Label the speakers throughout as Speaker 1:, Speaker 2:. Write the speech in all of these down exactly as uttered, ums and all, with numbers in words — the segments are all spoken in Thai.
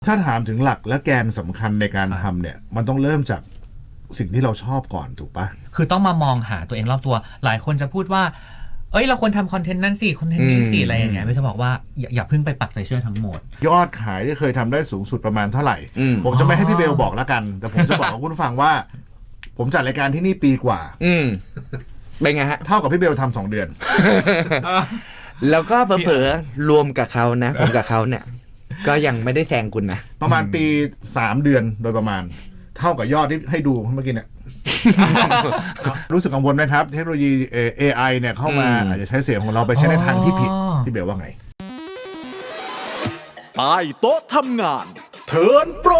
Speaker 1: ถ้าถามถึงหลักและแกนสำคัญในการทำเนี่ยมันต้องเริ่มจากสิ่งที่เราชอบก่อนถูกปะ
Speaker 2: คือต้องมามองหาตัวเองรอบตัวหลายคนจะพูดว่าเอ้ยเราควรทำคอนเทนต์นั่นสิคอนเทนต์นี้สิอะไรอย่างเงี้ยไม่จะบอกว่าอย่าอย่าเพิ่งไปปักใจเชื่อทั้งหมด
Speaker 1: ยอดขายที่เคยทำได้สูงสุดประมาณเท่าไหร่ผมจะไม่ให้พี่เบลบอกแล้วกันแต่ผมจะบอกกับคุณฟังว่าผมจัดรายการที่นี่ปีกว่า
Speaker 3: อืมเป็นไงฮะ
Speaker 1: เท่ากับพี่เบลทำสองเดือน
Speaker 3: แล้วก็เผลอๆรวมกับเขานะผมกับเขาเนี่ยก็ยังไม่ได้แซงคุณนะ
Speaker 1: ประมาณปีสามเดือนโดยประมาณเท่ากับยอดที่ให้ดูเมื่อกี้เนี่ย รู้สึกกังวลไหมครับเทคโนโลยี เอ ไอ เนี่ยเข้ามาอาจจะใช้เสียงของเราไปใช้ในทางที่ผิดพี่เบลว่าไง
Speaker 4: ใต้โต๊ะทำงานเทิร์นโปร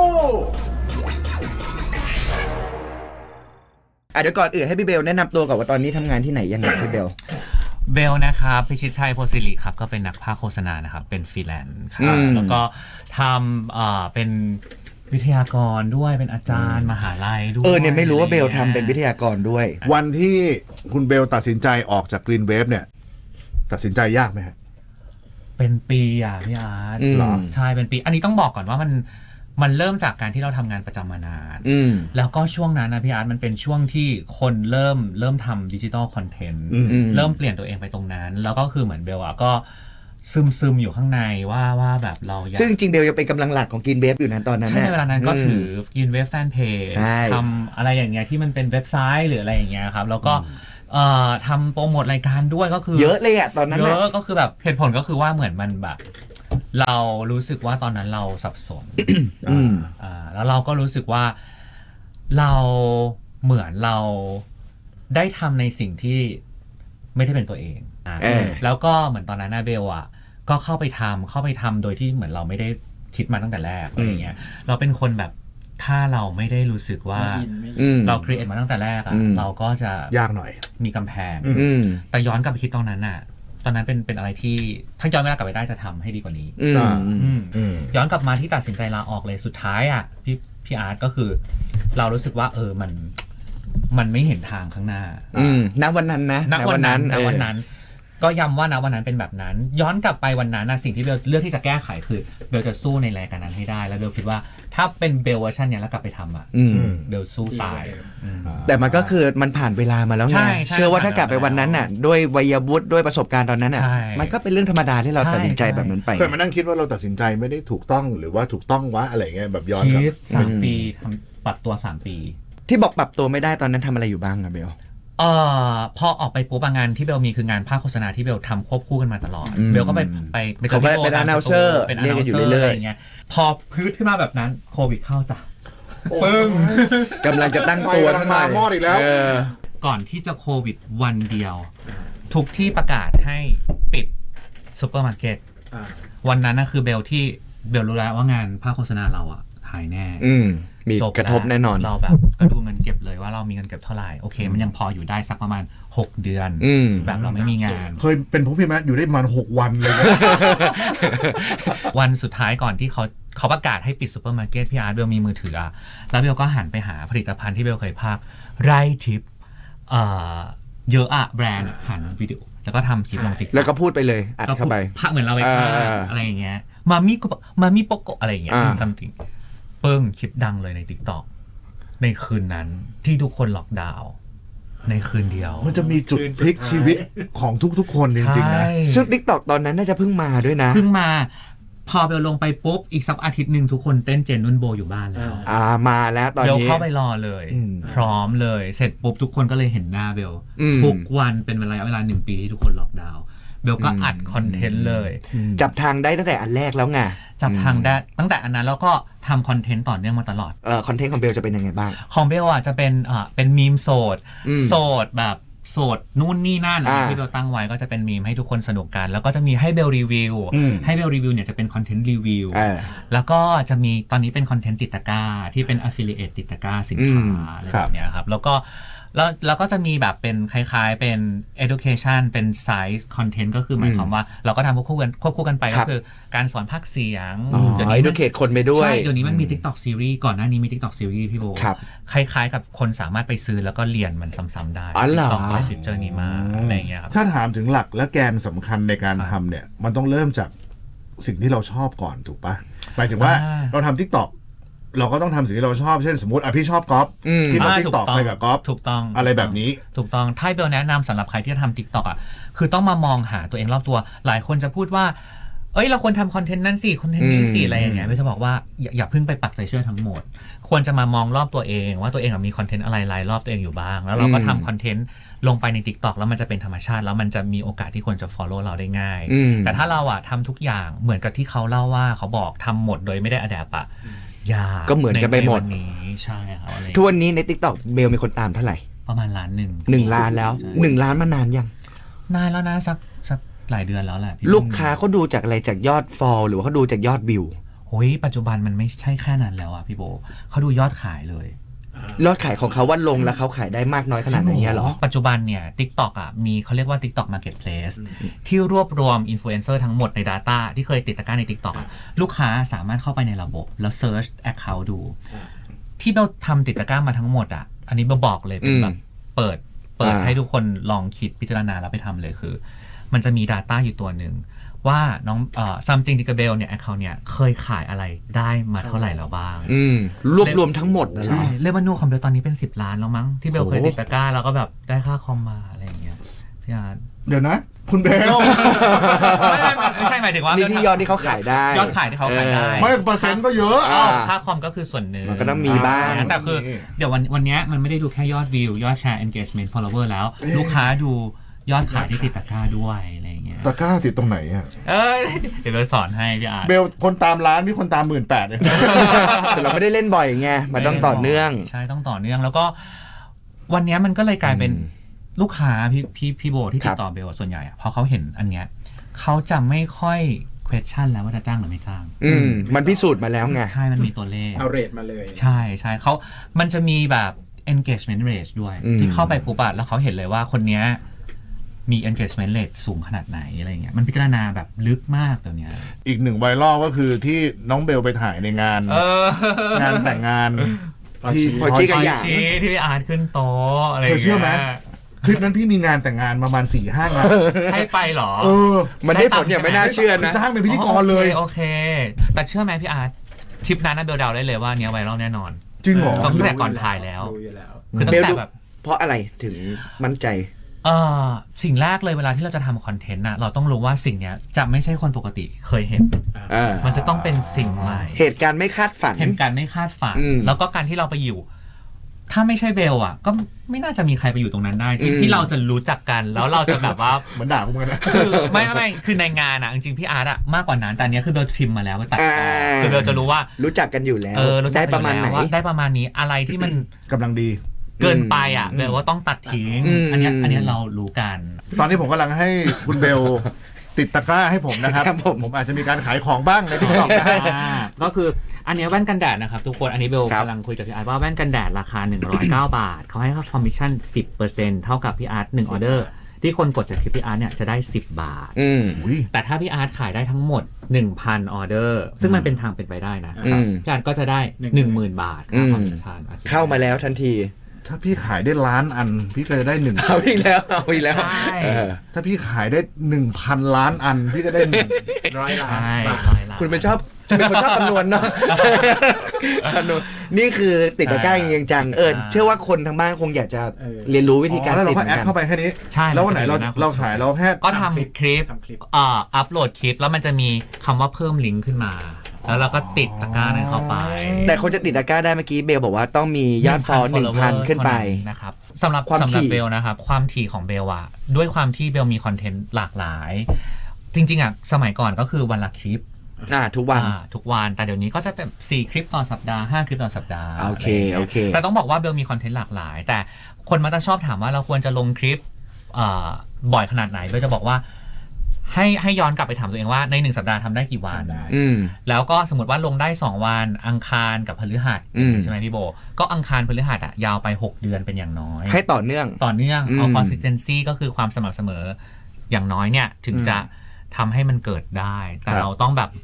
Speaker 3: อ่ะเดี๋ยวก่อนอื่นให้พี่เบลแนะนำตัวก่อนว่าตอนนี้ทำงานที่ไหนยังไงพี่เบล
Speaker 2: เบลนะครับพิชิตชัยโพสิริครับก็เป็นนักพากย์โฆษณานะครับเป็นฟรีแลนซ์ครับแล้วก็ทำเอ่อเป็นวิทยากรด้วยเป็นอาจารย์มหาลัยด้วย
Speaker 3: เออเนี่ยไม่รู้ว่าเบลทำเป็นวิทยากรด้วย
Speaker 1: วันที่คุณเบลตัดสินใจออกจาก Green Wave เนี่ยตัดสินใจยากไหมฮะ
Speaker 2: เป็นปีอ่ะพี่อาร์ต
Speaker 1: เหรอ
Speaker 2: ใช่เป็นปีอันนี้ต้องบอกก่อนว่ามันมันเริ่มจากการที่เราทำงานประจำมานานแล้วก็ช่วงนั้นนะพี่อาร์ตมันเป็นช่วงที่คนเริ่มเริ่มทำดิจิตอลคอนเทนต์เริ่มเปลี่ยนตัวเองไปตรงนั้นแล้วก็คือเหมือนเบลอะก็ซึมซึมอยู่ข้างในว่าว่าแบบเราอยาก
Speaker 3: ซึ่งจริงเบลยังเป็นกำลังหลักของกินเวฟอยู่นะตอนนั้น
Speaker 2: ใช่ในเวลานั้นก็ถือกินเวฟแฟนเพจทำอะไรอย่างเงี้ยที่มันเป็นเว็บไซต์หรืออะไรอย่างเงี้ยครับแล้วก็เอ่อทำโปรโมทรายการด้วยก็คือ
Speaker 3: เยอะเลยอะตอนนั้น
Speaker 2: เยอะก็คือแบบเหตุผลก็คือว่าเหมือนมันแบบเรารู้สึกว่าตอนนั้นเราสับสนอ่าแล้วเราก็รู้สึกว่าเราเหมือนเราได้ทำในสิ่งที่ไม่ได้เป็นตัวเองแล้วก็เหมือนตอนนั้นนาเบลอ่ะก็เข้าไปทำเข้าไปทำโดยที่เหมือนเราไม่ได้คิดมาตั้งแต่แรกอะไรเงี้ยเราเป็นคนแบบถ้าเราไม่ได้รู้สึกว่าเราครีเอทมาตั้งแต่แรกอ่ะเราก็จะ
Speaker 1: ยากหน่อย
Speaker 2: มีกำแพงแต่ย้อนกลับไปคิดตอนนั้นน่ะตอนนั้นเป็นเป็นอะไรที่ถ้าย้อนเวลากลับไปได้จะทำให้ดีกว่านี้ย้อนกลับมาที่ตัดสินใจลาออกเลยสุดท้ายอ่ะพี่พี่อาร์ตก็คือเรารู้สึกว่าเออมันมันไม่เห็นทางข้างหน้า
Speaker 3: ณวันนั้นนะ
Speaker 2: ณวันนั้นณวันนั้นก็ย้ำว่าณวันนั้นเป็นแบบนั้นย้อนกลับไปวันนั้นนะสิ่งที่เบลเลือกที่จะแก้ไขคือเบลจะสู้ในรายการนั้นให้ได้แล้วเบลคิดว่าถ้าเป็นเบลเวอร์ชันเนี้ยแล้วกลับไปทำอ่ะเบลสู้ตาย
Speaker 3: แต่มันก็คือมันผ่านเวลามาแล้วไงเชื่อว่าถ้ากลับไปวันนั้นน่ะด้วยวัยวุฒิด้วยประสบการณ์ตอนนั้นน่ะมันก็เป็นเรื่องธรรมดาที่เราตัดสินใจแบบนั้นไป
Speaker 1: เคยมานั่งคิดว่าเราตัดสินใจไม่ได้ถูกต้องหรือว่าถูกต้องวะอะไรเงี้ยแบบย้อนกลับ
Speaker 2: สามปีทำปรับตัวสามปี
Speaker 3: ที่บอกปรับตัวไม่ได้ตอนนั้นทำอะไรอยู่บ้างอะเบล
Speaker 2: เอ่อพอออกไปปุ๊บงานที่เบลมีคืองานภาคโฆษณาที่เบลทำควบคู่กันมาตลอดเบลก็ไปไป
Speaker 3: ไปเขาเป็นอนาลเซอร์
Speaker 2: เป็นอนาลเซอร์อะไรอย่างเงี้ยพอพืชขึ้นมาแบบนั้นโควิดเข้าจ้ะปึ้ง
Speaker 3: กำลังจะตั้งตัวทั้งมา
Speaker 1: หม้ออีกแล้ว
Speaker 2: ก่อนที่จะโควิดวันเดียวทุกที่ประกาศให้ปิดซุปเปอร์มาร์เก็ตวันนั้นนะคือเบลที่เบลรู้แล้วว่างานภาคโฆษณาเราอ่ะหายแน่
Speaker 3: มีกระทบแน่นอน
Speaker 2: เราแบบก็ดูเงินเก็บเลยว่าเรามีเงินเก็บเท่าไหร่โอเคมันยังพออยู่ได้สักประมาณหกเดือนแบบเราไม่มีงาน
Speaker 1: เคยเป็นผมพี่แม่อยู่ได้ประมาณหกวันเลย
Speaker 2: วันสุดท้ายก่อนที่เขาเขาประกาศให้ปิดซุปเปอร์มาร์เก็ตพี่อาร์ตเบลมีมือถืออ่ะแล้วเบลก็หันไปหาผลิตภัณฑ์ที่เบลเคยพากไร่ทิปเอ่อเยอะอะแบรนด์หันวิดีโอแล้วก็ทำคลิปลงติ๊ก
Speaker 3: แล้วก็พูดไปเลยอัดเข้าไป
Speaker 2: พากเหมือนเราไปพากอะไรอย่างเงี้ยมามิก็มามิโปโกอะไรอย่างเงี้ยซัมติงเปิ้งคลิปดังเลยใน TikTok ในคืนนั้นที่ทุกคนล็อกดาวน์ในคืนเดียว
Speaker 1: มันจะมีจุดพลิกชีวิตของทุกๆคนจริงๆนะ
Speaker 3: ซึ่ง TikTok ตอนนั้นน่าจะเพิ่งมาด้วยนะ
Speaker 2: เพิ่งมาพอเบลลงไปปุ๊บอีกสักอาทิตย์นึงทุกคนเต้นเจนนุ่นโบอยู่บ้านแล้ว
Speaker 3: อ่ามาแล้วตอนนี้
Speaker 2: เบลเข้าไปรอเลยพร้อมเลยเสร็จปุ๊บทุกคนก็เลยเห็นหน้าเบลทุกวันเป็นเวลาเวลาหนึ่งปีที่ทุกคนล็อกดาวน์เบลก็อัดคอนเทนต์เลย
Speaker 3: จับทางได้ตั้งแต่อันแรกแล้วไง
Speaker 2: จับทางได้ตั้งแต่อันนั้นแล้วก็ทำคอนเทนต์ต่อเนื่องมาตลอด
Speaker 3: เอ่อคอนเทนต์ของเบลจะเป็นยังไงบ้าง
Speaker 2: ของเบลอ่ะจะเป็นอ่าเป็นมีมโสดโสดแบบโสดนู่นนี่นั่นที่เบลตั้งไว้ก็จะเป็นมีมให้ทุกคนสนุกกันแล้วก็จะมีให้เบลรีวิวให้เบลรีวิวเนี่ยจะเป็นคอนเทนต์รีวิวแล้วก็จะมีตอนนี้เป็นคอนเทนต์ติดตะกร้าที่เป็น affiliate ติดตะกร้าสินค้าอะไรแบบเนี้ยครับแล้วก็แล้วแล้วก็จะมีแบบเป็นคล้ายๆเป็น education เป็น size content ก็คือหมายความว่าเราก็ทำควบคู่กันควบคู่กันไปก็คือการสอนภาคเสียง
Speaker 3: เดี๋ยวนี้ educate คนไปด้วย
Speaker 2: ใช่เดี๋ยวนี้มันมี TikTok series ก่อนหน้านี้มี TikTok series พี่โบคล้ายๆกับคนสามารถไปซื้อแล้วก็เรียนมันซ้ำๆได้ TikTok ปล่อยฟีเจอร์นี้มาอะไรอย่างเงี้ยครับ
Speaker 1: ถ้าถามถึงหลักและแกนสำคัญในการทำเนี่ยมันต้องเริ่มจากสิ่งที่เราชอบก่อนถูกปะหมายถึงว่า
Speaker 2: อ่า
Speaker 1: เราทำ TikTok เราก็ต้องทำสิ่งที่เราชอบเช่นสมมติอ่ะพี่ชอบกอล์ฟ
Speaker 3: อืม
Speaker 1: พี่มา
Speaker 2: อ่า
Speaker 1: TikTok ไปกับกอล์ฟ
Speaker 2: ถูกต้อง
Speaker 1: อะไรแบบนี้
Speaker 2: ถูกต้องถ้าเบลแนะนำสำหรับใครที่จะทำ TikTok อ่ะคือต้องมามองหาตัวเองรอบตัว หลายคนจะพูดว่าเอ้ยเราควรทำคอนเทนต์นั่นสิคอนเทนต์นี้สิ
Speaker 3: อืม
Speaker 2: อะไรอย่างเงี้ยเบลจะบอกว่าอย่าอย่าเพิ่งไปปักใจเชื่อทั้งหมด ควรจะมามองรอบตัวเองว่าตัวเองมีคอนเทนต์อะไรรายรอบตัวเองอยู่บ้างแล้วเราก็ทำคอนเทนต์ลงไปใน TikTok แล้วมันจะเป็นธรรมชาติแล้วมันจะมีโอกาสที่คนจะ follow เราได้ง่าย
Speaker 3: อืม
Speaker 2: แต่ถ้าเราอ่ะทำทุกอย่างเหมือนกับที่เขาเล่าว่าเขาบอกทำหมดโดยไม่ได้ adapt อ่ะยาก
Speaker 3: ก็เหมือนกันไปหมด
Speaker 2: ใวันี้ใช่ครับอะไร
Speaker 3: ทุกวันนี้ใน TikTok เบลมีคนตามเท่าไหร่
Speaker 2: ประมาณล้านหนึ่ง
Speaker 3: หนึ่งล้านแล้ว
Speaker 2: ใช่
Speaker 3: หนึ่งล้านมานานยัง
Speaker 2: นานแล้วนะสักสักหลายเดือนแล้วแหละพี่
Speaker 3: ลูกค้าเขาดูจากอะไรจากยอดฟอลหรือว่าเขาดูจากยอดวิว
Speaker 2: โอ้ยปัจจุบันมันไม่ใช่แค่นั้นแล้วอ่ะพี่โบเขาดูยอดขายเลย
Speaker 3: ยอดขายของเขาว่าลงแล้วเขาขายได้มากน้อยขนาดไหนเนี่ยเหรอ
Speaker 2: ปัจจุบันเนี่ย TikTok อ่ะมีเขาเรียกว่า TikTok Marketplace ที่รวบรวมอินฟลูเอนเซอร์ทั้งหมดใน Data ที่เคยติดตะกร้าใน TikTok อะลูกค้าสามารถเข้าไปในระบบแล้ว Search Account ดู ที่เราทำติดตะกร้ามาทั้งหมดอ่ะอันนี้เบลบอกเลยเป็นแบบเปิดเปิด
Speaker 3: อ่า
Speaker 2: ให้ทุกคนลองคิดพิจารณาแล้วไปทำเลยคือ มันจะมี Data อยู่ตัวหนึ่งว่าน้องเอ่อ something ดิกาเบลเนี่ย account เนี่ยเคยขายอะไรได้มาเท่าไหร่แล้วบ้าง
Speaker 3: อืมรวบรวมทั้งหมดนะเหร
Speaker 2: ใช่
Speaker 3: อ
Speaker 2: เรเวนูของเบลตอนนี้เป็นสิบล้านแล้วมั้งที่เบล
Speaker 3: โอ้
Speaker 2: เคยติดตะกร้าแล้วก็แบบได้ค่าคอมมาอะไรอย่างเงี้ยพี่อาร์ต
Speaker 1: เดี๋ยวนะ คุณเบล
Speaker 2: ไม่ไม่ไม่ไม่ใช่หมายถึงว่า
Speaker 3: นี่ที่ยอดที่เขาขายได้
Speaker 2: ยอดขายที่เขาขายได้
Speaker 1: ไม่เปอร์เซ็นต์ก็เยอะ
Speaker 3: อ่า
Speaker 2: ค่าคอมก็คือส่วนหนึ่ง
Speaker 3: มันก็ต้องมีบ้าง
Speaker 2: แต่คือเดี๋ยววันวันเนี้ยมันไม่ได้ดูแค่ยอดวิวยอดแชร์ engagement follower แล้ว ลูกค้าดูยอดขายที่ติดตะกร้าด้วยอะไรอย่างเงี้ย
Speaker 1: ตะกร้าติดตรงไหนอ่ะ
Speaker 2: เอ้ยเดี๋ยวเบลสอนให้พี่อาร์ต
Speaker 1: เบลคนตามร้านพี่คนตามหมื่นแปดเนี่ย
Speaker 3: แต่เราไม่ได้เล่นบ่อยไงมันต้องต่อเนื่อง
Speaker 2: ใช่ต้องต่อเนื่องแล้วก็วันเนี้ยมันก็เลยกลายเป็น
Speaker 3: อืม
Speaker 2: ลูกค้าพี่พี่พี่โบที่
Speaker 3: ครั
Speaker 2: ติ
Speaker 3: บ
Speaker 2: ดต่อเบลส่วนใหญ่อะพอเขาเห็นอันเนี้ยเขาจะไม่ค่อย question แล้วว่าจะจ้างหรือไม่จ้าง
Speaker 3: อืมมันพิสูจน์มาแล้วไง
Speaker 2: ใช่มันมีตัวเลข
Speaker 5: เอาเรทมาเลย
Speaker 2: ใช่ใช่เขามันจะมีแบบ engagement rate ด้วย
Speaker 3: อืม
Speaker 2: ที่เข้าไปปุ๊บอะแล้วเขาเห็นเลยว่าคนเนี้ยมี engagement rate สูงขนาดไหนอะไรเงี้ยมันพิจารณาแบบลึกมากเดี๋ยวนี้
Speaker 1: อีกหนึ่งไวรัลก็คือที่น้องเบลไปถ่ายในงาน
Speaker 2: เออง
Speaker 1: านแต่งงานที่
Speaker 3: พอชี้กับหยาง
Speaker 2: ชี้ที่พี่อาร์ตขึ้นโต๊ะอะไร
Speaker 1: เธ
Speaker 2: งี้
Speaker 1: อย เชื่อไหมคลิปนั้นพี่มีงานแต่งงานประมาณสี่ห้างาน
Speaker 2: ให้ไปเหรอ
Speaker 1: เออ
Speaker 3: มันได้ผลอย่างไม่น่าเชื่อ
Speaker 1: คือ
Speaker 3: นะ
Speaker 1: จ้างเป็นพิธีกรเลย
Speaker 2: โอเคโอเค แต่เชื่อไหมพี่อาร์ตคลิปนั้นนะเบลเดาได้เลยว่าเนี้ยไวรัลแน่นอน
Speaker 1: จริงเหรอ
Speaker 2: ต้องแต่ก่อนถ่ายแล้ว
Speaker 5: รู้อยู่แล้ว
Speaker 2: คือตั้
Speaker 3: เบ
Speaker 2: ง
Speaker 3: ล
Speaker 2: แต่
Speaker 3: ดู
Speaker 2: แบบ
Speaker 3: เพราะอะไรถึงมั่นใจ
Speaker 2: เออสิ่งแรกเลยเวลาที่เราจะทำคอนเทนต์น่ะเราต้องรู้ว่าสิ่งเนี้ยจะไม่ใช่คนปกติเคยเห็น
Speaker 3: อ่า
Speaker 2: มันจะต้องเป็นสิ่งใหม่
Speaker 3: เหตุการณ์ไม่คาดฝัน
Speaker 2: เห็นการไม่คาดฝัน
Speaker 3: อืม
Speaker 2: แล้วก็การที่เราไปอยู่ ถ้าไม่ใช่เบลอ่ะ ก็ไม่น่าจะมีใครไปอยู่ตรงนั้นได้ที่
Speaker 3: อืม
Speaker 2: ที่เราจะรู้จักกันแล้วเราจะแบบว่า
Speaker 1: เหมือนด่ากูเหมือนกันนะ
Speaker 2: คือไม่ไม่ไม่คือในงานอ่ะจริงๆพี่อาร์ตอ่ะมากกว่านั้นแต่อันเนี้ยคือเบลพิมพ์มาแล้วก็ตัดต่ออา คือเบลจะรู้ว่า
Speaker 3: รู้จักกันอยู่แล้ว
Speaker 2: เออรู้จั
Speaker 3: ได้
Speaker 2: ก
Speaker 3: ประมาณไหน
Speaker 2: อยู่แล้วว่าได้ประมาณนี้อะไรที่มัน
Speaker 1: กำลังดี
Speaker 2: เกินไปอ่ะเบลว่าต้องตัดทิ้ง
Speaker 3: อืม
Speaker 2: อันเนี้ยอันเนี้ยเรารู้กัน
Speaker 1: ตอนนี้ผมกำลังให้คุณเบลติดตะกร้าให้ผมนะครับ
Speaker 3: ครับผม
Speaker 1: ผมอาจจะมีการขายของบ้างในทิกตอกนะฮะ
Speaker 2: อ่าก็คืออันเนี้ยแว่นกันแดดนะครับทุกคนอันนี้เบล
Speaker 3: ครับ
Speaker 2: กำลังคุยกับพี่อาร์ตว่าแว่นกันแดดราคาหนึ่งร้อยเก้า บาทเขาให้ค่าคอมมิชชั่น สิบเปอร์เซ็นต์ เท่ากับพี่อาร์ตหนึ่งออเดอร์ที่คนกดจากคลิปพี่อาร์ตเนี่ยจะได้ สิบบาท
Speaker 3: อืม
Speaker 1: อุ้ย
Speaker 2: แต่ถ้าพี่อาร์ตขายได้ทั้งหมด หนึ่งพัน ออเดอร์ ซึ่งมันเป็นทางเป็นไปได้นะ
Speaker 3: อืม
Speaker 2: พี่อาร์ตก็จะได้ หนึ่งหมื่น บาทค่าคอมมิชชั่น
Speaker 3: เข้ามาแล้วทันที
Speaker 1: ถ้าพี่ขายได้ล้านอัน พี่ก็จะได้หนึ่ง
Speaker 3: เอาอีกแล้วเอาอีกแล้ว
Speaker 2: ใช่
Speaker 3: เออ
Speaker 1: ถ้าพี่ขายได้หนึ่งพันล้านอัน พี่ก็ได้หนึ่ง
Speaker 5: ร้อยล้าน
Speaker 2: ใช่
Speaker 5: บาท
Speaker 2: ร้อยล้าน
Speaker 3: คุณเป็นชอบเป็นคนชอบคำนวณเนาะ คำนวณนี่คือติดตะกร้าจริงจังๆเออเชื่อว่าคนทางบ้านคงอยากจะ
Speaker 5: เออ
Speaker 3: เรียนรู้วิธีการ
Speaker 1: อ๋อแล้วเรา
Speaker 3: ติด
Speaker 1: ก็
Speaker 3: เหมื
Speaker 1: แอ
Speaker 3: อน
Speaker 1: ด
Speaker 3: กัน
Speaker 1: เข้าไปแค่นี้
Speaker 2: ใช่
Speaker 1: แล้ววันไหนเรา
Speaker 2: มัจะ
Speaker 1: เราขายเราแค่
Speaker 2: ก็ทำคลิป
Speaker 5: ทำคลิป
Speaker 2: เอ่ออัพโหลดคลิปแล้วมันจะมีคำว่าเพิ่มลิงก์ขึ้นมา แล้วเราก็ติดตะกร้านั้นเข้าไป
Speaker 3: แต่คนจะติดตะกร้าได้เมื่อกี้เบลบอกว่าต้องมียอดฟอลหนึ่งพัน
Speaker 2: follower
Speaker 3: ขึ้นไป
Speaker 2: เท่านะครับสำหรับ
Speaker 3: ความ
Speaker 2: สำหรับ
Speaker 3: ถี่
Speaker 2: เบลนะครับความถี่ของเบลอะด้วยความที่เบลมีคอนเทนต์หลากหลาย จริงๆอะสมัยก่อนก็คือวันละคลิป
Speaker 3: อ่าทุกวัน
Speaker 2: อ่าทุกวันแต่เดี๋ยวนี้ก็จะเป็นสี่คลิปต่อสัปดาห์ห้าคลิปต่อสัปดาห์
Speaker 3: โอเค
Speaker 2: ะไรย่างงี้ย
Speaker 3: โอเค
Speaker 2: แต่ต้องบอกว่าเบลมีคอนเทนต์หลากหลาย แต่คนมักจะชอบถามว่าเราควรจะลงคลิปอ่าบ่อยขนาดไหนเบลจะบอกว่า ให้ให้ย้อนกลับไปถามตัวเองว่าในหนึ่งสัปดาห์ทำได้กี่วัน
Speaker 5: ทำได้
Speaker 3: อืม
Speaker 2: แล้วก็สมมติว่าลงได้สองวันอังคารกับพฤหัส
Speaker 3: อืม
Speaker 2: ใช่ไหมพี่โบก็อังคารพฤหัสอะยาวไปหกเดือนเป็นอย่างน้อย
Speaker 3: ให้ต่อเนื่อง
Speaker 2: ต่อเนื่องเอา
Speaker 3: อืม
Speaker 2: consistency ก็คือความสม่ำเสมออย่างน้อยเนี่ยถึงจะทำให้มันเกิดได้ แต่
Speaker 1: ครับ
Speaker 2: เราต้องแบบ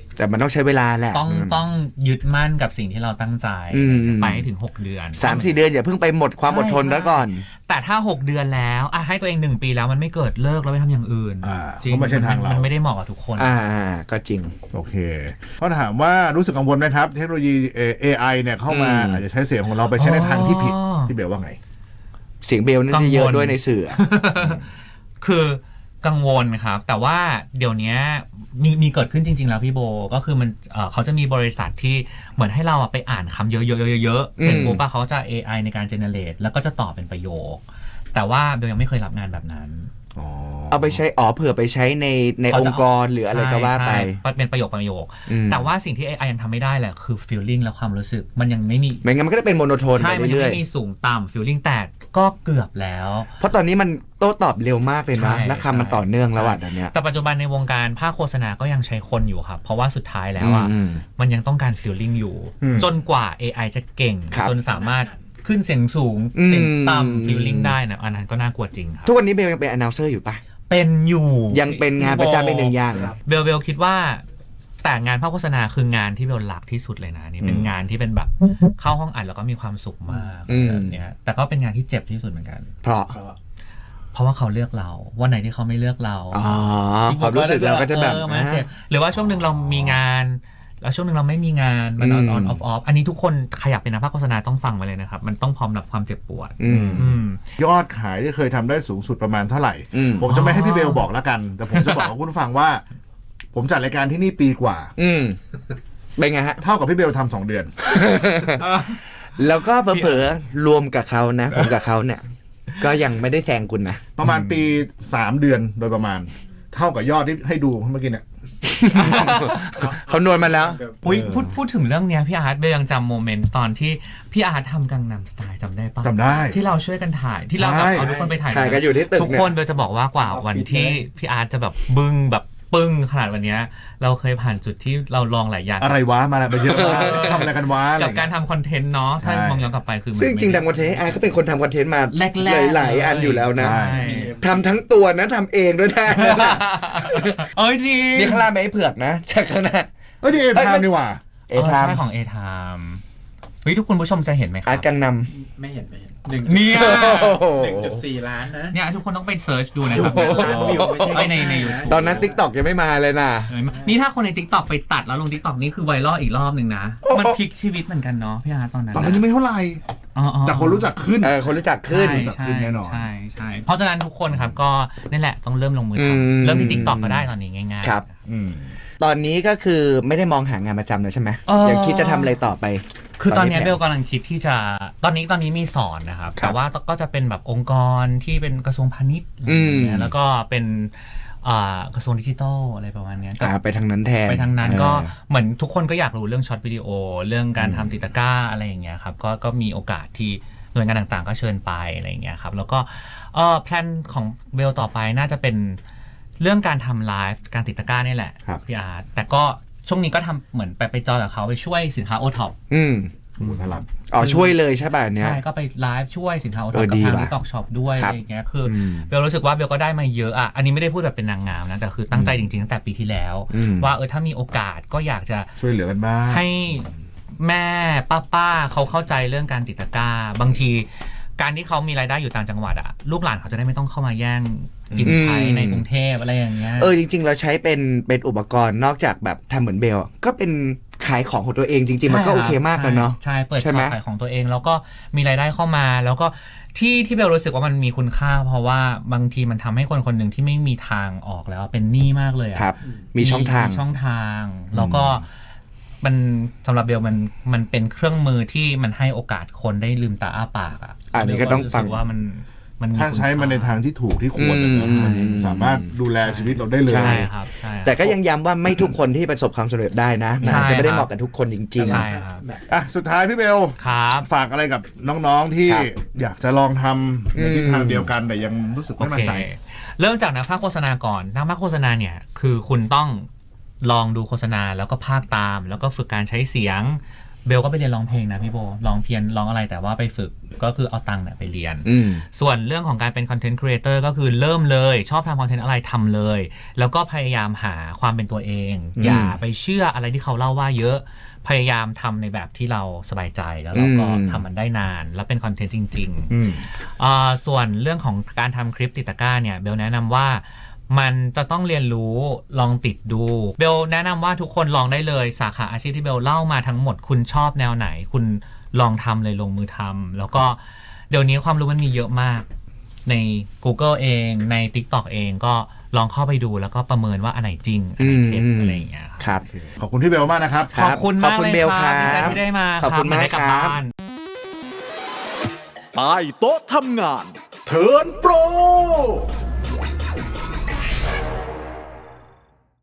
Speaker 3: แต่มันต้องใช้เวลาแหละ
Speaker 2: ต้องต้องยึดมั่นกับสิ่งที่เราตั้งใจ
Speaker 3: อืม
Speaker 2: ไปให้ถึงหกเดือน
Speaker 3: สามสี่เดือนอย่าเพิ่งไปหมดความอดทนแล้วก่อน
Speaker 2: แต่ถ้าหกเดือนแล้วอ่ะให้ตัวเองหนึ่งปีแล้วมันไม่เกิดเลิกแล้วไปทำอย่างอื่น
Speaker 1: อ่า
Speaker 2: จริง
Speaker 1: เพราะไม่ใช่ทางเรา
Speaker 2: นไม่ได้เหมาะกับทุกคน
Speaker 3: อ่าก็จริง
Speaker 1: โอเคเขาถามว่ารู้สึกกังวลไหมครับ เทคโนโลยี เอ ไอ เนี่ยเข้ามา
Speaker 3: อืม
Speaker 1: อาจจะใช้เสียงของเราไปใช้ในทางที่ผิดพี่เบลว่าไง
Speaker 3: เสียงเบลน่าจะเยอะด้วยในสื่อ
Speaker 2: คือกังวลครับ แต่ว่าเดี๋ยวนี้มีมีเกิดขึ้นจริง ๆ แล้วพี่โบก็คือมันเอ่อเขาจะมีบริษัทที่เหมือนให้เราอะไปอ่านคำเยอะๆๆๆเสร็จปุ๊บอะเขาจะ เอ ไอ ในการเจเนเรตแล้วก็จะตอบเป็นประโยค แต่ว่าเบลยังไม่เคยรับงานแบบนั้น
Speaker 3: เอาไปใช้อ๋อเผื่อไปใช้ในใน
Speaker 2: เขา
Speaker 3: อ
Speaker 2: จะ
Speaker 3: งค์กรหรืออะไรก็ว่าไป
Speaker 2: ใช่เป็นประโยคประโยค
Speaker 3: อืม
Speaker 2: แต่ว่าสิ่งที่ เอ ไอ ยังทำไม่ได้แหละคือ feeling และความรู้สึกมันยังไม่มี
Speaker 3: ไม่งั้นมันก็จะเป็นโมโนโทน
Speaker 2: ใช่
Speaker 3: ไป
Speaker 2: มันยัง
Speaker 3: เรื่อย
Speaker 2: ไม่มีสูงต่ำ feeling แต่ก็เกือบแล้ว
Speaker 3: ๆเพราะตอนนี้มันโต้ตอบเร็วมากเลยนะ
Speaker 2: ใช่
Speaker 3: และคำมันต่อเนื่องแล้วอ่ะ
Speaker 2: ใช่
Speaker 3: ตอนเนี้ย
Speaker 2: แต่ปัจจุบันในวงการภาคโฆษณาก็ยังใช้คนอยู่ครับ เพราะว่าสุดท้ายแล้วอ่ะ
Speaker 3: อืม
Speaker 2: มันยังต้องการ feeling อยู่
Speaker 1: อืม
Speaker 2: จนกว่า เอ ไอ จะเก่ง
Speaker 3: ครับ
Speaker 2: จนสามารถขึ้นเสียงสูง
Speaker 3: อืม
Speaker 2: เสียงต่ำ feeling ได้นะอันนั้นก็น่ากลัวจริงครับ
Speaker 3: ทุกวันนี้เบลยังเป็น announcer อยู่ปะ
Speaker 2: เป็นอยู่
Speaker 3: ยังเป็นงานประจำเป็นหนึ่งอย่าง
Speaker 2: เบลเบลคิดว่าแต่งานภาคโฆษณาคืองานที่เบลรักที่สุดเลยนะนี่เป็นงานที่เป็นแบบเข้าห้องอัดแล้วก็มีความสุขมาก
Speaker 3: อืม
Speaker 2: แบบเนี้ยแต่ก็เป็นงานที่เจ็บที่สุดเหมือนกัน
Speaker 3: เพราะ
Speaker 2: เพราะว่าเขาเลือกเราวันไหนที่เขาไม่เลือกเรา
Speaker 3: อ๋อความรู้สึกเราก็จะแบบ
Speaker 2: เออมันเจ็บหรือว่าช่วงหนึ่งเรามีงาน แล้วช่วงหนึ่งเราไม่มีงานมัน
Speaker 3: อื
Speaker 2: อ
Speaker 3: ม
Speaker 2: อนออฟออฟอันนี้ทุกคนขยับเป็นนักภาคโฆษณาต้องฟังไว้เลยนะครับมันต้องพร้อมรับความเจ็บปวด
Speaker 3: อืม
Speaker 2: อืม
Speaker 1: ยอดขายที่เคยทำได้สูงสุดประมาณเท่าไหร่
Speaker 3: อืม
Speaker 1: ผมจะไม่ให้พี่เบลบอกแล้วกัน แต่ผมจะบอกกับคุณผู้ฟังว่า ผมจัดรายการที่นี่ปีกว่า
Speaker 3: อืมเป็นไงฮะ
Speaker 1: เท่ากับพี่เบลทำสองเดือน
Speaker 3: แล้วก็เผลอๆรวมกับเขานะ ผมกับเขาเนี่ย ก็ยังไม่ได้แซงคุณนะ
Speaker 1: ประมาณปีสามเดือนโดยประมาณ เท่ากับยอดที่ให้ดูเมื่อกี้เนี่ย
Speaker 3: เขานวลมาแล้ว
Speaker 2: อุ๊ยพูดพูดถึงเรื่องเนี้ยพี่อาร์ตเบลยังจำโมเมนต์ตอนที่พี่อาร์ตทำกังนำสไตล์จำได้ปะ
Speaker 1: จำได้
Speaker 2: ที่เราช่วยกันถ่ายที่เราแบบ
Speaker 1: ใช่
Speaker 2: เอาทุกคนไปถ่าย
Speaker 3: ถ่ายกันอยู่ที่ตึก
Speaker 2: ทุก
Speaker 3: เนี่ย
Speaker 2: คนเบลจะบอกว่ากว่าวันที่พี่อาร์ตจะแบบบึ้งแบบปึ้งขนาดวันเนี้ยเราเคยผ่านจุดที่เราลองหลายอย่าง
Speaker 1: อะไรวะมาแล้วมาเยอะมากทำอะไรกันวะอะไร
Speaker 2: กับการทำคอนเทนต์เนาะถ้า
Speaker 1: ใช่
Speaker 2: มองย้อนกลับไปคือมัน
Speaker 3: ซึ่งจริงๆทำคอนเทนต์ไอ้ก็เป็นคนทำคอนเทนต์มา
Speaker 2: แรกๆ
Speaker 3: หลายๆอันอยู่แล้วนะ
Speaker 1: ใช่
Speaker 3: ทำทั้งตัวนะทำเองด้วยนะ
Speaker 2: เอ้ยจริง
Speaker 3: นี่ข้างล่างไม่ให้เผือกนะจากข้างหน้า
Speaker 1: เอ้ยนี่เอทามนี่หว่า
Speaker 3: เอทาม
Speaker 2: ใช่ของเอทามเฮ้ยทุกคุณผู้ชมจะเห็นไหมค
Speaker 3: อา
Speaker 2: รั
Speaker 3: ร์
Speaker 2: บ
Speaker 3: ตกังน
Speaker 5: ไม่เห็นไม่เห็นหนึ่ง
Speaker 2: เนี่ย
Speaker 5: หนึ่งจุดสี่ล้านนะ
Speaker 2: เนี่ยทุกคนต้องไปเซิร์ชดูนะครับ
Speaker 5: ล้านวิวไม่ใช่
Speaker 2: เอ้ยในใน YouTube
Speaker 3: ำตอนนั้น ติ๊กต็อก ยังไม่มาเลยนะ
Speaker 2: เห็นไหมนี่ถ้าคนใน TikTok ไปตัดแล้วลง TikTok นี่คือไวรัลอีกรอบหนึ่งนะ มันพลิกชีวิตเหมือนกันเนาะพี่อาร์ตตอนนั้น
Speaker 1: ตอนนั้นยังไม่เท่าไหร่
Speaker 2: อ๋ออ๋อ
Speaker 1: แต่คนรู้จักขึ้น
Speaker 3: เออคนรู้จักขึ้น
Speaker 2: ใช่
Speaker 1: จัดขึ้นแน่นอน
Speaker 2: ใช่ใช่เพราะฉะนั้นทุกคนครับก็นั่นแหละต้องเริ่มลงมือ
Speaker 3: อืม
Speaker 2: ทำเริ่มที่ TikTok ก็ได้ตอนนี้ง่ายๆ
Speaker 3: ครับ
Speaker 1: อืม
Speaker 3: ตอนนี้ก็คือไม่ได้มองหางานประจำเลยใช่ไหม
Speaker 2: เออ
Speaker 3: ยังคิดจะทำอะไรต่อไป
Speaker 2: คือตอนนี้
Speaker 3: ตอนนี้
Speaker 2: เบลกำลังคิดที่จะตอนนี้ตอนนี้มีสอนนะครับ
Speaker 3: ครับ
Speaker 2: แต่ว่าก็จะเป็นแบบองค์กรที่เป็นกระทรวงพาณิชย์อะไรอย่างเงี้
Speaker 3: อื
Speaker 2: ย
Speaker 3: ม
Speaker 2: แล้วก็เป็นอ่ากระทรวงดิจิทัลอะไรประมาณเนี้ยก็
Speaker 3: อ่าไปทางนั้นแทน
Speaker 2: ไปทางนั้น
Speaker 3: เออ
Speaker 2: ก็เหมือนทุกคนก็อยากรู้เรื่องช็อตวิดีโอ เรื่องการ
Speaker 1: อืม
Speaker 2: ทำติดตะกร้าอะไรอย่างเงี้ยครับก็ก็มีโอกาสที่หน่วยงานต่างๆ ก็เชิญไปอะไรอย่างเงี้ยครับแล้วก็เออแพลนของเบลต่อไปน่าจะเป็นเรื่องการทำไลฟ์การติดตะกร้านี่แหละ
Speaker 1: ครับ
Speaker 2: พี่อาร์ตแต่ก็ช่วงนี้ก็ทำเหมือนไปไปจอยกับเขาไปช่วยสินค้าโอท็อป
Speaker 3: อืม
Speaker 1: หมุนพลัง
Speaker 3: อ๋อช่วยเลยใช่ป่ะอันเนี้ย
Speaker 2: ใช่ก็ไปไลฟ์ช่วยสินค้าโอท็
Speaker 3: เอ
Speaker 2: อป
Speaker 3: อ
Speaker 2: กับ
Speaker 3: ดี
Speaker 2: ทาง
Speaker 3: ว่ะ
Speaker 2: ทิกตอกช็อปด้วย
Speaker 3: ครั
Speaker 2: อะ
Speaker 3: บ
Speaker 2: ไรอย่างเงี้ยคืออ
Speaker 3: ม
Speaker 2: เบลรู้สึกว่าเบลก็ได้มาเยอะอ่ะอันนี้ไม่ได้พูดแบบเป็นนางงามนะแต่คือตั้งใจจริงๆตั้งแต่ปีที่แล้ว
Speaker 3: อืม
Speaker 2: ว่าเออถ้ามีโอกาสก็อยากจะ
Speaker 1: ช่วยเหลือกันบ้าง
Speaker 2: ให้แม่ป้าป้าเขาเข้าใจเรื่องการติดตะกร้า บางทีการที่เขามีรายได้อยู่ต่างจังหวัดอะลูกหลานเขาจะได้ไม่ต้องเข้ามาแย่งกินใช้
Speaker 3: อืม
Speaker 2: ในกรุงเทพอะไรอย่างเงี้ย
Speaker 3: เออจริง ๆ เราใช้เป็นเป็นอุปกรณ์นอกจากแบบทำเหมือนเบลอะก็เป็นขายของของตัวเองจริง ๆ มันก็โอเคมากเลยเนาะ
Speaker 2: ใช่เปิด
Speaker 3: ใช่
Speaker 2: ช็
Speaker 3: ไหม
Speaker 2: อปขายของตัวเอง แล้วก็มีรายได้เข้ามา แล้วก็ที่ที่เบลรู้สึกว่ามันมีคุณค่า เพราะว่าบางทีมันทำให้คนคนหนึ่งที่ไม่มีทางออกแล้วเป็นหนี้มากเลยอะ
Speaker 3: ครับ มีช่องทาง
Speaker 2: มีช่องทาง แล้วก็มันสำหรับเบลมันมันเป็นเครื่องมือที่มันให้โอกาสคนได้ลืมตาอ้าปากอ่ะ
Speaker 3: อันนี้ก็ต้องฟัง
Speaker 2: เบลรู้สึว่ามันมัน
Speaker 1: ถ้าใช้มันในทางที่ถูกที่ควรนะ
Speaker 3: อืม
Speaker 1: มันสามารถดูแลชีวิตเราได้เลย
Speaker 3: ใช่
Speaker 2: ใช่ครับใช่ครับ
Speaker 3: แต่ก็ยังย้ำว่าไม่ทุกคนที่ประสบความสำเร็จได้นะมันอาจจะไม่ได้เหมาะกับทุกคนจริง
Speaker 2: ใช่ครับ
Speaker 1: อ่ะสุดท้ายพี่เบล
Speaker 2: ครับ
Speaker 1: ฝากอะไรกับน้องๆที่
Speaker 3: ครับ
Speaker 1: อยากจะลองทำในทิศทางเดียวกันแต่ยังรู้สึก
Speaker 2: โอ
Speaker 1: ไม่มั่น
Speaker 2: เค
Speaker 1: ใจ
Speaker 2: เริ่มจากนักพากย์โฆษณาก่อนนักพากย์โฆษณาเนี่ยคือคุณต้องลองดูโฆษณาแล้วก็พากย์ตาม แล้วก็ฝึกการใช้เสียงเบลก็ไปเรียนร้องเพลงนะพี่โบร้องเพียนร้องอะไรแต่ว่าไปฝึกก็คือเอาตังค์เนี่ยไปเรียน
Speaker 3: อืม
Speaker 2: ส่วนเรื่องของการเป็นคอนเทนต์ครีเอเตอร์ก็คือเริ่มเลยชอบทำคอนเทนต์อะไรทำเลย แล้วก็พยายามหาความเป็นตัวเอง
Speaker 3: อืม
Speaker 2: อย่าไปเชื่ออะไรที่เขาเล่าว่าเยอะพยายามทำในแบบที่เราสบายใจแล้วเราก็
Speaker 3: อืม
Speaker 2: ทำมันได้นานแล้วเป็นคอนเทนต์จริง ๆ
Speaker 1: อืม
Speaker 2: อ่าส่วนเรื่องของการทำคลิปติดตะกร้าเนี่ยเบลแนะนำว่ามันจะต้องเรียนรู้ลองติดดูเบลแนะนำว่าทุกคนลองได้เลยสาขาอาชีพที่เบลเล่ามาทั้งหมดคุณชอบแนวไหน คุณลองทำเลยลงมือทำแล้วก็เดี๋ยวนี้ความรู้มันมีเยอะมากใน Google เองใน TikTok เองก็ลองเข้าไปดูแล้วก็ประเมินว่าอันไหนจริงอันไหนเท็จ
Speaker 3: อืม
Speaker 2: อะไรอย่างเงี้ยครับ
Speaker 3: ครับ
Speaker 1: ขอบคุณพี่เบลมากนะครับ
Speaker 3: ครั
Speaker 2: ขอบคุณมาก
Speaker 3: ขอบคุณ
Speaker 2: เลย
Speaker 3: เบล
Speaker 2: ครับดีใจ
Speaker 3: ครับ
Speaker 2: ที่ได้มา
Speaker 3: ขอบคุณ
Speaker 2: เหนได้
Speaker 3: มาก
Speaker 2: กลับ
Speaker 3: ครับ
Speaker 2: บ้าน
Speaker 4: ใต้โต๊ะทำงาน เทิร์นโปร